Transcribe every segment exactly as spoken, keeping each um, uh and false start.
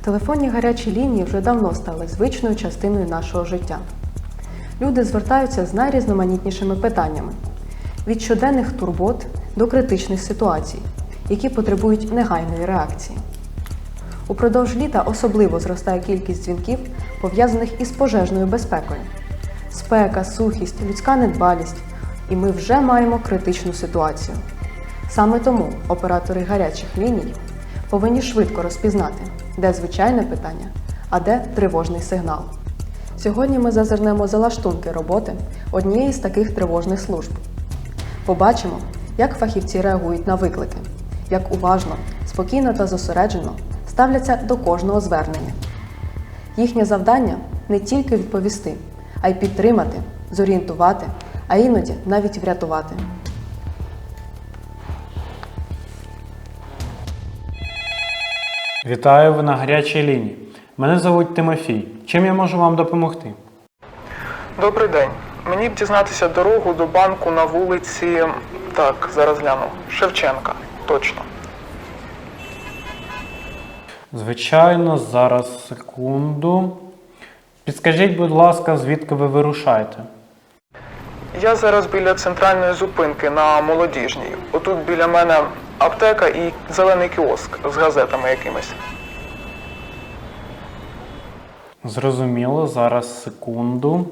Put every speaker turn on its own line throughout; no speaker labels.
Телефонні гарячі лінії вже давно стали звичною частиною нашого життя. Люди звертаються з найрізноманітнішими питаннями – від щоденних турбот до критичних ситуацій, які потребують негайної реакції. Упродовж літа особливо зростає кількість дзвінків, пов'язаних із пожежною безпекою. Спека, сухість, людська недбалість – і ми вже маємо критичну ситуацію. Саме тому оператори гарячих ліній повинні швидко розпізнати, де звичайне питання, а де тривожний сигнал. Сьогодні ми зазирнемо за лаштунки роботи однієї з таких тривожних служб. Побачимо, як фахівці реагують на виклики, як уважно, спокійно та зосереджено ставляться до кожного звернення. Їхнє завдання – не тільки відповісти, а й підтримати, зорієнтувати, а іноді навіть врятувати.
Вітаю, ви на гарячій лінії. Мене звуть Тимофій. Чим я можу вам допомогти?
Добрий день. Мені б дізнатися дорогу до банку на вулиці... Так, зараз гляну. Шевченка. Точно.
Звичайно, зараз, секунду. Підскажіть, будь ласка, звідки ви вирушаєте?
Я зараз біля центральної зупинки на Молодіжній. Отут біля мене аптека і зелений кіоск з газетами якимись.
Зрозуміло, зараз, секунду.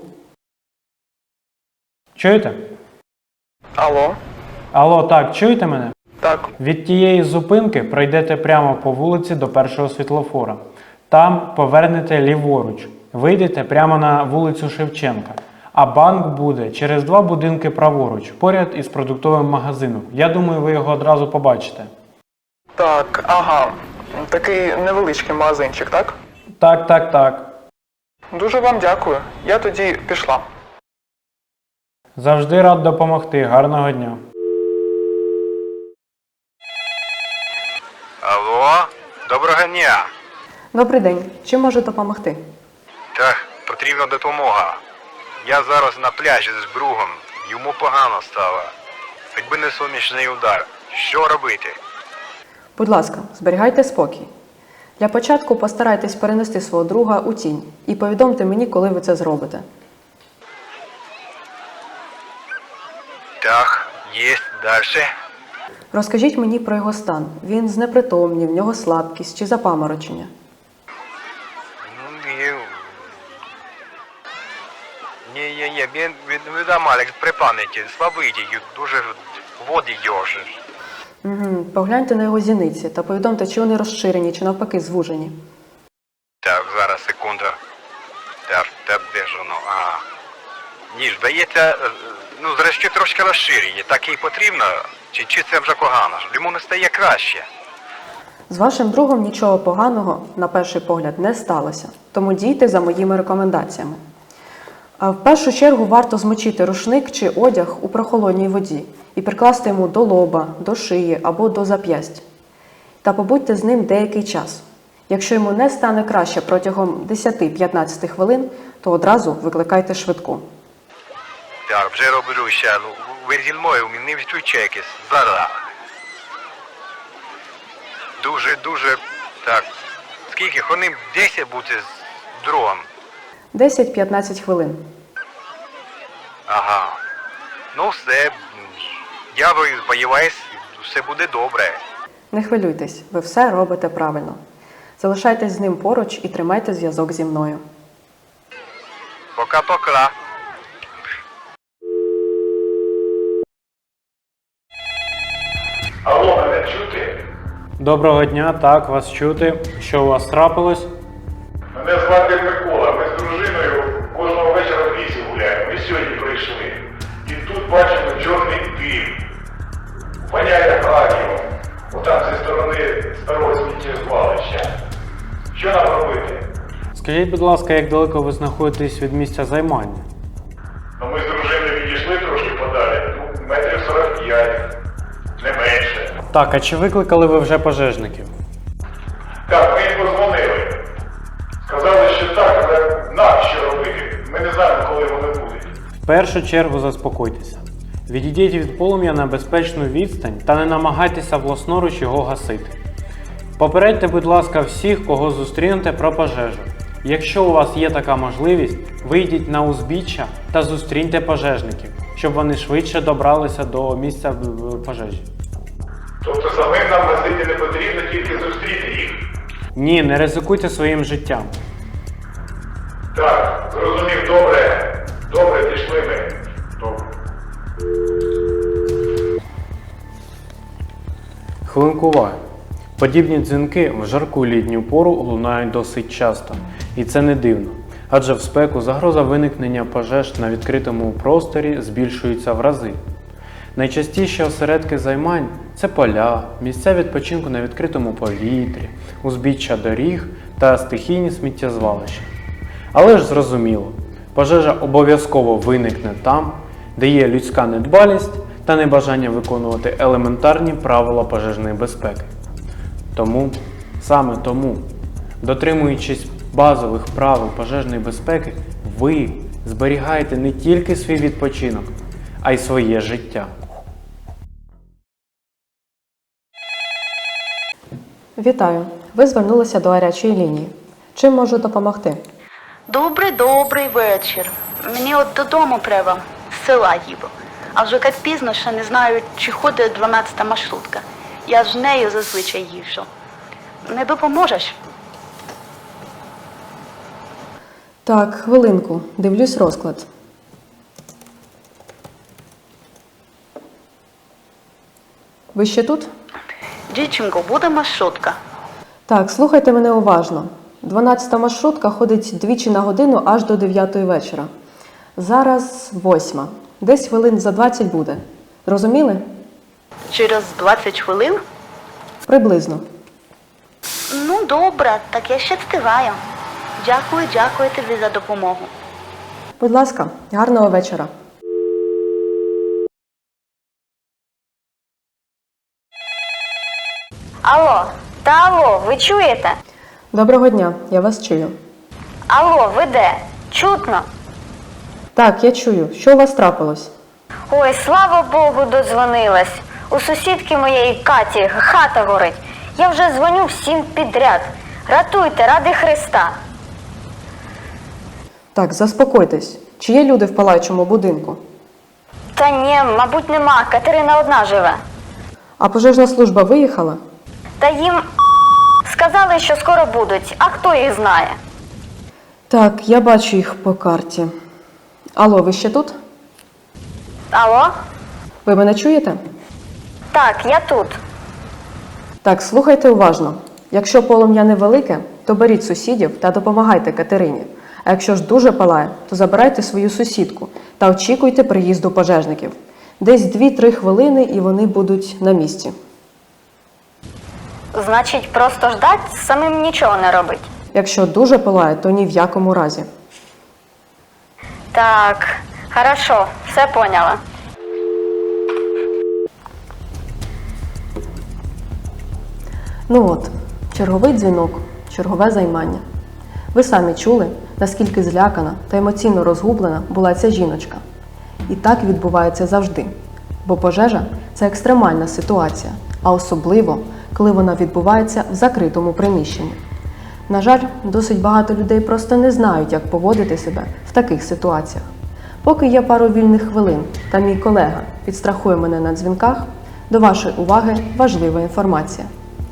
Чуєте?
Алло?
Алло, так, чуєте мене?
Так.
Від тієї зупинки пройдете прямо по вулиці до першого світлофора. Там повернете ліворуч. Вийдете прямо на вулицю Шевченка. А банк буде через два будинки праворуч, поряд із продуктовим магазином. Я думаю, ви його одразу побачите.
Так, ага. Такий невеличкий магазинчик, так?
Так, так, так.
Дуже вам дякую. Я тоді пішла.
Завжди рад допомогти. Гарного дня.
Алло, доброго дня.
Добрий день. Чим можу допомогти?
Так, потрібна допомога. Я зараз на пляжі з другом. Йому погано стало. Хоч би не сонячний удар. Що робити?
Будь ласка, зберігайте спокій. Для початку постарайтесь перенести свого друга у тінь і повідомте мені, коли ви це зробите.
Так, є, далі.
Розкажіть мені про його стан. Він знепритомнів, в нього слабкість чи запаморочення.
Ну, і... Ні, ні, ні, він, він, він Алекс, при пам'яті, слабий, дуже води йоже.
Угу. Погляньте на його зіниці та повідомте, чи вони розширені, чи навпаки звужені.
Так, зараз, секунду. Так, так, де ж воно? Ага. Ні, здається, ну, зрештою трошки розширені. Так і потрібно? Чи, чи це вже погано? Йому не стає краще.
З вашим другом нічого поганого, на перший погляд, не сталося. Тому дійте за моїми рекомендаціями. А в першу чергу варто змочити рушник чи одяг у прохолодній воді і прикласти йому до лоба, до шиї або до зап'ясть. Та побудьте з ним деякий час. Якщо йому не стане краще протягом десять-п'ятнадцять хвилин, то одразу викликайте швидку.
Так, вже роблю ще. Ну, ви зі мною, не відключайтесь. Зараз. Дуже, дуже, так. Скільки? Хвилин десять бути з другом.
десять-п'ятнадцять хвилин.
Ага. Ну все, я сподіваюсь, все буде добре.
Не хвилюйтесь, ви все робите правильно. Залишайтесь з ним поруч і тримайте зв'язок зі мною.
Пока-пока.
Алло, мене чути?
Доброго дня, так, вас чути. Що у вас трапилось?
Мене звати Микола, ми з дружиною кожного вечора в лісі гуляємо. Ми сьогодні прийшли. І тут бачимо чорний дим. Воняє радіо. Отам зі сторони старого сміттєзвалища. Що нам робити?
Скажіть, будь ласка, як далеко ви знаходитесь від місця займання?
Ну ми з дружиною відійшли трошки подалі. Ну, метрів сорок п'ять. Не менше.
Так, а чи викликали ви вже пожежників?
Так, ми їм подзвонили. Сказали, що так, але нам що робити? Ми не знаємо, коли вони будуть.
В першу чергу заспокойтеся. Відійдіть від полум'я на безпечну відстань та не намагайтеся власноруч його гасити. Попередьте, будь ласка, всіх, кого зустрінете про пожежу. Якщо у вас є така можливість, вийдіть на узбіччя та зустріньте пожежників, щоб вони швидше добралися до місця пожежі.
Тобто самим нам гасити не потрібно, тільки зустріти їх.
Ні, не ризикуйте своїм життям.
Так, зрозумів, добре. Добре, пішли ми. Добре.
Хвилинку уваги. Подібні дзвінки в жарку літню пору лунають досить часто. І це не дивно. Адже в спеку загроза виникнення пожеж на відкритому просторі збільшується в рази. Найчастіші осередки займань – це поля, місця відпочинку на відкритому повітрі, узбіччя доріг та стихійні сміттєзвалища. Але ж зрозуміло, пожежа обов'язково виникне там, де є людська недбалість та небажання виконувати елементарні правила пожежної безпеки. Тому, саме тому, дотримуючись базових правил пожежної безпеки, ви зберігаєте не тільки свій відпочинок, а й своє життя.
Вітаю! Ви звернулися до гарячої лінії. Чим можу допомогти?
Добрий, добрий вечір. Мені от додому треба, з села їду. А вже як пізно, ще не знаю, чи ходить дванадцята маршрутка. Я ж нею зазвичай їжджу. Не допоможеш?
Так, хвилинку. Дивлюсь розклад. Ви ще тут?
Дівчинко, буде маршрутка.
Так, слухайте мене уважно. дванадцята маршрутка ходить двічі на годину аж до дев'ятої вечора. Зараз восьма. Десь хвилин за двадцять буде. Розуміли?
Через двадцять хвилин?
Приблизно.
Ну, добре, так я ще встигаю. Дякую, дякую тобі за допомогу.
Будь ласка, гарного вечора.
Алло, та алло, ви чуєте?
Доброго дня, я вас чую.
Алло, ви де? Чутно?
Так, я чую. Що у вас трапилось?
Ой, слава Богу, додзвонилась. У сусідки моєї Каті хата горить. Я вже дзвоню всім підряд. Ратуйте, ради Христа.
Так, заспокойтесь. Чи є люди в палаючому будинку?
Та ні, мабуть, нема. Катерина одна живе.
А пожежна служба виїхала?
Та їм сказали, що скоро будуть, а хто їх знає?
Так, я бачу їх по карті. Алло, ви ще тут?
Алло?
Ви мене чуєте?
Так, я тут.
Так, слухайте уважно. Якщо полум'я невелике, то беріть сусідів та допомагайте Катерині. А якщо ж дуже палає, то забирайте свою сусідку та очікуйте приїзду пожежників. Десь дві-три хвилини і вони будуть на місці.
Значить, просто ждать, самим нічого не робить.
Якщо дуже палає, то ні в якому разі.
Так, хорошо, все поняла.
Ну от, черговий дзвінок, чергове займання. Ви самі чули, наскільки злякана та емоційно розгублена була ця жіночка. І так відбувається завжди. Бо пожежа – це екстремальна ситуація, а особливо, коли вона відбувається в закритому приміщенні. На жаль, досить багато людей просто не знають, як поводити себе в таких ситуаціях. Поки є пару вільних хвилин та мій колега підстрахує мене на дзвінках, до вашої уваги важлива інформація.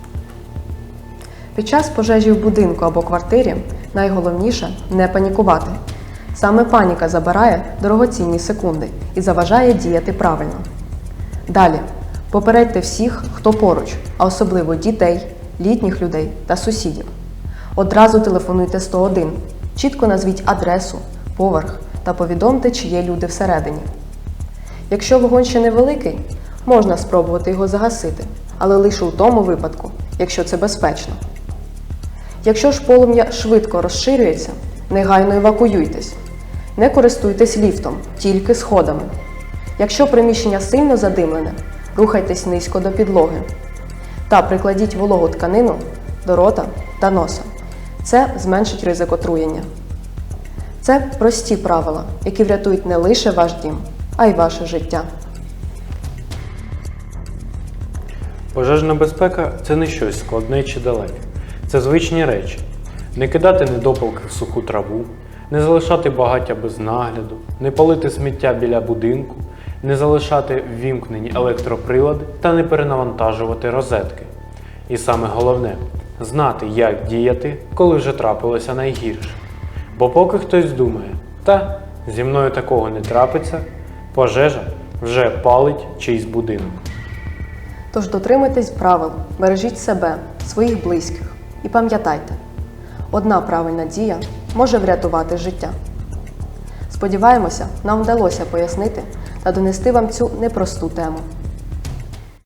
Під час пожежі в будинку або квартирі найголовніше – не панікувати. Саме паніка забирає дорогоцінні секунди і заважає діяти правильно. Далі. Попередьте всіх, хто поруч, а особливо дітей, літніх людей та сусідів. Одразу телефонуйте сто один, чітко назвіть адресу, поверх та повідомте, чи є люди всередині. Якщо вогонь ще невеликий, можна спробувати його загасити, але лише у тому випадку, якщо це безпечно. Якщо ж полум'я швидко розширюється, негайно евакуюйтесь. Не користуйтесь ліфтом, тільки сходами. Якщо приміщення сильно задимлене, рухайтесь низько до підлоги. Та прикладіть вологу тканину до рота та носа. Це зменшить ризик отруєння. Це прості правила, які врятують не лише ваш дім, а й ваше життя.
Пожежна безпека – це не щось складне чи далеке. Це звичні речі. Не кидати недопалки в суху траву, не залишати багаття без нагляду, не палити сміття біля будинку, не залишати ввімкнені електроприлади та не перенавантажувати розетки. І саме головне – знати, як діяти, коли вже трапилося найгірше. Бо поки хтось думає, та зі мною такого не трапиться, пожежа вже палить чийсь будинок.
Тож дотримуйтесь правил, бережіть себе, своїх близьких і пам'ятайте, одна правильна дія може врятувати життя. Сподіваємося, нам вдалося пояснити та донести вам цю непросту тему.